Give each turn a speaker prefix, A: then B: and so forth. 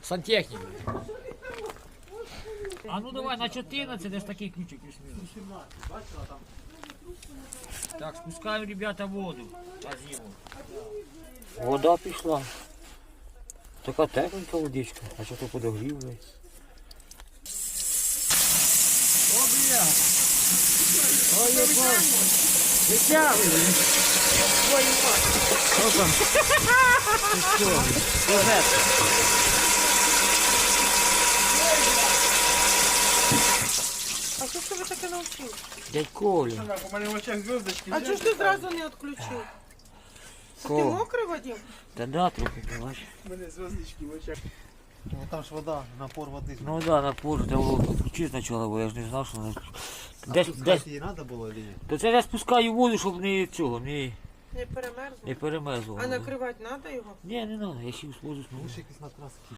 A: Сантехник. А ну давай на 14, десь такий ключик плюс-мінус. Так, спускаємо, ребята, воду на зиму. Вода пішла. Така тепленька водичка, а що то подогрів, блядь. О, бля! Ой, я бачу! Витягуй! Ой, мать! Що там? Ти що? Розетка!
B: А що ж тебе таке навчив?
A: Дядь Коля.
C: У мене в очах зв'язочки.
B: А чого ж ти зразу не відключив? Ти
A: Коля.
B: мокрий, Вадим?
A: Та да, трохи, бач.
C: У мене зв'язочки в очах. Ну там ж вода, напор води.
A: Ну да, на позже, треба було включити спочатку, бо я ж не знав, що вона... Десь,
C: її треба було чи ні?
A: То це я спускаю воду, щоб не цього, не
B: Не перемерзло.
A: перемерзло.
B: А накривати треба його?
A: Ні, не треба, я ще спозу.
C: Лише якийсь накрас.